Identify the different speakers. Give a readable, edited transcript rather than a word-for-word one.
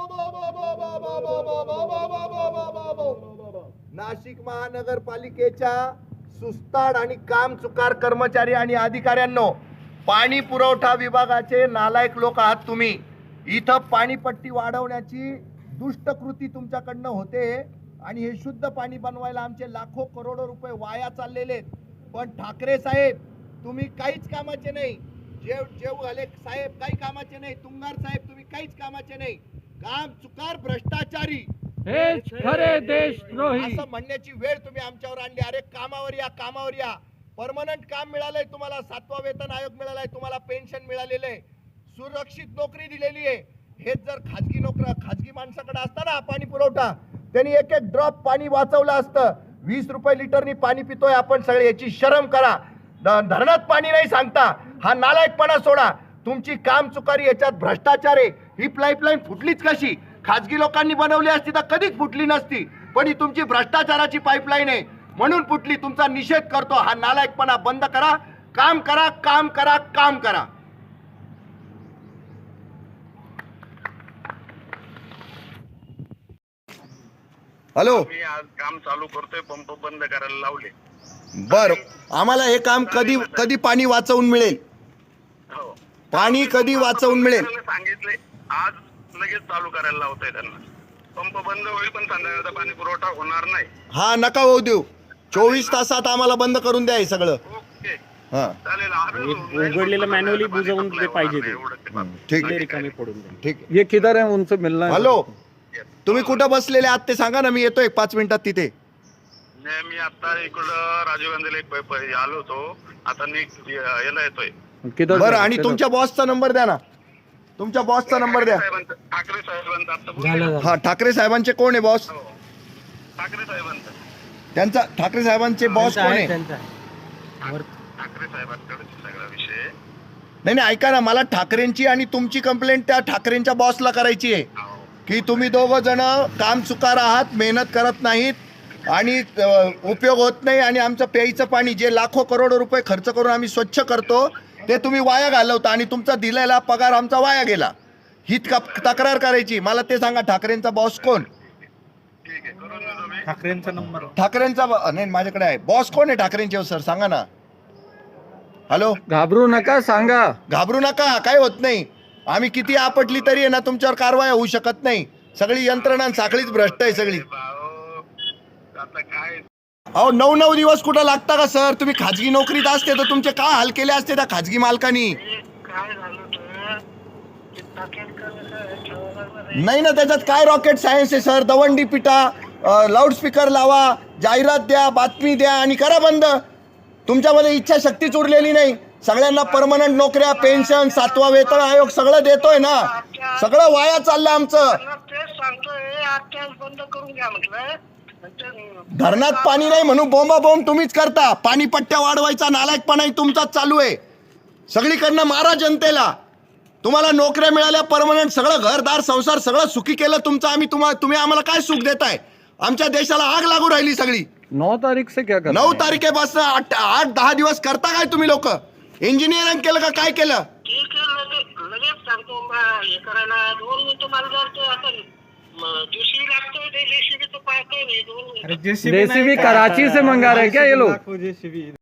Speaker 1: नाशिक महानगरपालिकेच्या सुस्ताड आणि कामचुकार कर्मचारी आणि अधिकाऱ्यांनो, पाणी पुरवठा विभागाचे नालायक लोक आहात तुम्ही। इथं पाणीपट्टी वाढवण्याची दुष्ट कृती तुमच्याकडनं होते आणि हे शुद्ध पाणी बनवायला आमचे लाखो करोडो रुपये वाया चाललेले आहेत। पण ठाकरे साहेब तुम्ही काहीच कामाचे नाही, जेव घाले साहेब काही कामाचे नाही, तुंगार साहेब तुम्ही काहीच कामाचे नाही, कामचुकार भ्रष्टाचारी
Speaker 2: हेच खरे देशद्रोही
Speaker 1: असं म्हणण्याची वेळ तुम्ही आमच्यावर आणली। अरे कामावर या, कामावर या। परमनंट काम मिळालंय तुम्हाला, 7वा वेतन आयोग मिळालाय तुम्हाला, पेन्शन मिळालेलं आहे, सुरक्षित नोकरी दिलेली आहे। हेच जर खाजगी माणसाकडे असता ना पाणी पुरवठा, त्यांनी एक एक ड्रॉप पाणी वाचवलं असतं। 20 रुपये लिटरनी पाणी पितोय आपण सगळे, याची शरम करा। धरणात पाणी नाही सांगता, हा नालायकपणा सोडा। तुमची कामचुकारी, याच्यात भ्रष्टाचार आहे। ही पाईपलाईन फुटलीच कशी? खाजगी लोकांनी बनवली असती तर कधीच फुटली नसती, पण ही तुमची भ्रष्टाचाराची पाईपलाईन आहे म्हणून फुटली। तुमचा निषेध करतो, हा नालायकपणा बंद करा। काम करा, काम करा, काम करा। हॅलो,
Speaker 3: मी आज काम चालू करतोय, पंप बंद करायला लावले।
Speaker 1: बर, आम्हाला हे काम कधी पाणी वाचवून मिळेल?
Speaker 3: हो,
Speaker 1: पाणी कधी वाचवून मिळेल?
Speaker 3: सांगितले, आज लगेच चालू करायला लावतोय त्यांना। पंप बंद होईल पण संध्याकाळचा पाणी पुरवठा होणार नाही।
Speaker 1: हा, नका होऊ देऊ। 24 तासात आम्हाला बंद करून द्या हे सगळं।
Speaker 3: ओके,
Speaker 1: हा,
Speaker 3: चालेल।
Speaker 2: उघडलेलं मॅन्युअली बुजवून ते पाहिजे ते
Speaker 1: ठीक आहे,
Speaker 2: रिकामी पडून दे।
Speaker 1: ठीक आहे।
Speaker 4: ये किधर है, उनसे मिलना है।
Speaker 1: हॅलो, तुम्ही कुठं बसलेले आहात ते सांगा ना, मी येतो 1-5 मिनिटात तिथे।
Speaker 3: मी आता इकडं राजीव गांधीला आलो होतो, आता मी याला येतोय।
Speaker 4: किधर?
Speaker 1: बरं, आणि तुमच्या बॉसचा नंबर द्या ना, तुमच्या बॉसचा नंबर द्या।
Speaker 3: ठाकरे साहेबांचा आता बोललो।
Speaker 1: हा, ठाकरे साहेबांचे कोण आहे बॉस?
Speaker 3: हो, ठाकरे साहेबांचा।
Speaker 1: त्यांचा ठाकरे साहेबांचे बॉस कोण आहे?
Speaker 3: ठाकरे साहेबांकडे सगळा विषय।
Speaker 1: नाही नाही, ऐका ना, मला ठाकरेंची आणि तुमची कंप्लेंट त्या ठाकरेंच्या बॉसला करायची आहे की तुम्ही दोघं जण काम चुकार आहात, मेहनत करत नाहीत आणि उपयोग होत नाही, आणि आमचं प्यायचं पाणी जे लाखो करोडो रुपये खर्च करून आम्ही स्वच्छ करतो ते तुम्ही वाया घालवता आणि तुमचा दिलेला पगार आमचा वाया गेला। ही तक्रार करायची। मला ते सांगा, ठाकरेंचा बॉस कोण?
Speaker 3: ठीक आहे, करून देतो मी।
Speaker 4: ठाकरेंचा नंबर?
Speaker 1: ठाकरेंचा नाही, माझ्याकडे आहे। बॉस कोण आहे ठाकरेंचे सर, सांगा ना। हॅलो,
Speaker 4: घाबरू नका, सांगा।
Speaker 1: घाबरू नका, काय होत नाही। आम्ही किती आपटली तरी आहे ना, तुमच्यावर कारवाई होऊ शकत नाही। सगळी यंत्रणा साखळीच भ्रष्ट आहे सगळी।
Speaker 3: आता काय,
Speaker 1: अहो 9-9 दिवस कुठं लागता का सर? तुम्ही खाजगी नोकरीत असते तर तुमचे काय हाल केले असते त्या खाजगी मालकांनी?
Speaker 3: काय झालं
Speaker 1: नाही ना, त्याच्यात काय रॉकेट सायन्स आहे सर? दवंडी पिटा, लाऊडस्पीकर लावा, जाहिरात द्या, बातमी द्या आणि करा बंद। तुमच्यामध्ये इच्छाशक्तीच उरलेली नाही। सगळ्यांना परमनंट नोकऱ्या, पेन्शन, 7वा वेतन आयोग सगळं देतोय ना, सगळं वाया चाललं आमचं।
Speaker 3: तेच सांगतोय, आजच्या बंद करून घ्या म्हटलं।
Speaker 1: धरणात पाणी नाही म्हणून बोंबाबोंब तुम्हीच करता। पाणी पट्ट्या वाढवायचा नालायकपणाही तुमचाच चालू आहे। सगळीकडनं मारा जनतेला। तुम्हाला नोकऱ्या मिळाल्या परमनंट, सगळं घरदार संसार सगळं सुखी केलं तुमचं आम्ही। तुम्ही आम्हाला काय सुख देताय? आमच्या देशाला आग लागू राहिली सगळी।
Speaker 4: 9 तारीख से क्या करना?
Speaker 1: 9 तारखेपासून 8-10 दिवस करता काय तुम्ही लोक? इंजिनिअरिंग केलं का काय केलं?
Speaker 3: ठीक आहे, लगेच सांगतो हे करायला। 2 मिनिटं मला जर ते आता जेसीबी लागतोय, ते जेसीबी तो पाहतोय 2 मिनिटं।
Speaker 4: जेसीबी कराची से मंगा रहे क्या ये लोग?